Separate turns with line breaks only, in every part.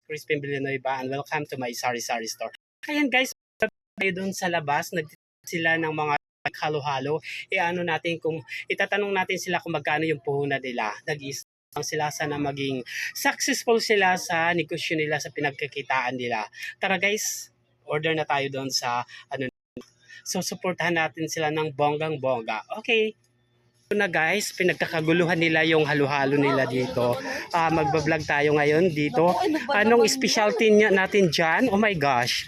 Crispin Villanueva and welcome to my sari-sari store. Ayan guys, tayo doon sa labas, sila ng mga halo-halo. Ano natin kung itatanong natin sila kung magkano yung puhunan nila. Nag-iisang sila sana maging successful sila sa negosyo nila, sa pinagkakitaan nila. Tara guys, order na tayo doon sa So supportahan natin sila ng bonggang-bongga. Okay. Na guys, pinagkakaguluhan nila yung halo-halo nila dito. Magbablog tayo ngayon dito. Anong specialty natin dyan? Oh my gosh.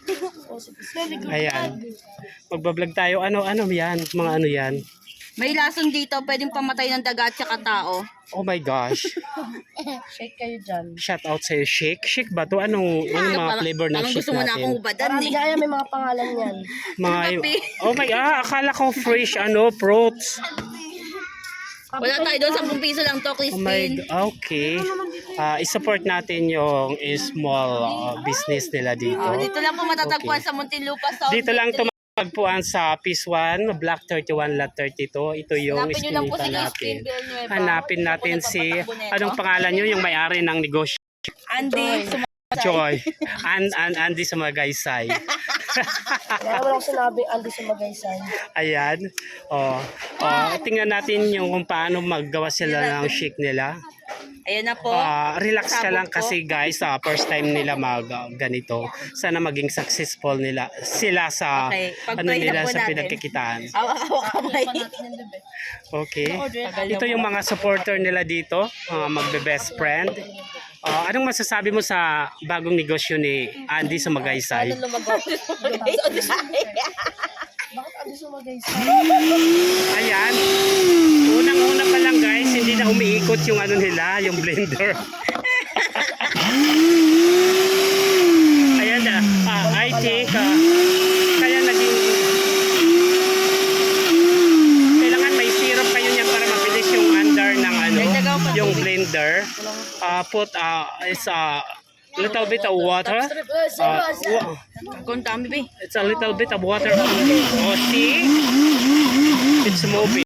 Ayan. Magbablog tayo. Ano yan? Mga ano yan?
May lason dito, pwedeng pamatay ng daga at saka tao.
Oh my gosh.
Shake kayo dyan.
Shout out sa'yo. Shake? Shake ba to? Anong mga flavor ng shake
gusto mo na
natin?
akong ubadan
Marami kaya may mga pangalan yan.
Oh my, akala ko fresh, fruits.
Wala tayo doon, 10 piso lang to,
Oh my,
Crispin.
okay. I-support natin yung small business nila dito.
Dito lang po matatagpuan
Okay.
sa Muntinlupa South.
Dito lang tumagpuan sa Piece 1, Block 31, Lot 32. Ito yung
Hanapin nyo lang po si
iskinita
Crispin
natin.
Villanueva.
Hanapin natin si, anong pangalan nyo, yung may-ari ng negosyo?
Andy.
Joy. Andy sa Magaysay.
Kaya wala ko sinabi, Andy sa Magaysay.
Ayan. Tingnan natin yung kung paano maggawa sila ng shake nila.
Ayan na po.
Relax ka lang
Sabog po.
kasi guys, first time nila ganito. Sana maging successful sila sa
Okay,
nila
pag-try na po
sa
natin.
pinagkikitaan.
Awak kamay.
Okay. Ito yung mga supporter nila dito, magbe-best friend. Anong masasabi mo sa bagong negosyo ni Andy sa Magaysay?
Bakit Andy sa Magaysay?
Ayan. Unang-una pa lang guys, hindi na umiikot yung nila, yung blender. Ayan na. I think kaya naging kailangan may syrup kayo niyan para mabilis yung under ng yung blender. Put is a little bit of water.
Kung dami ba.
It's a little bit of water only. See? It's moving.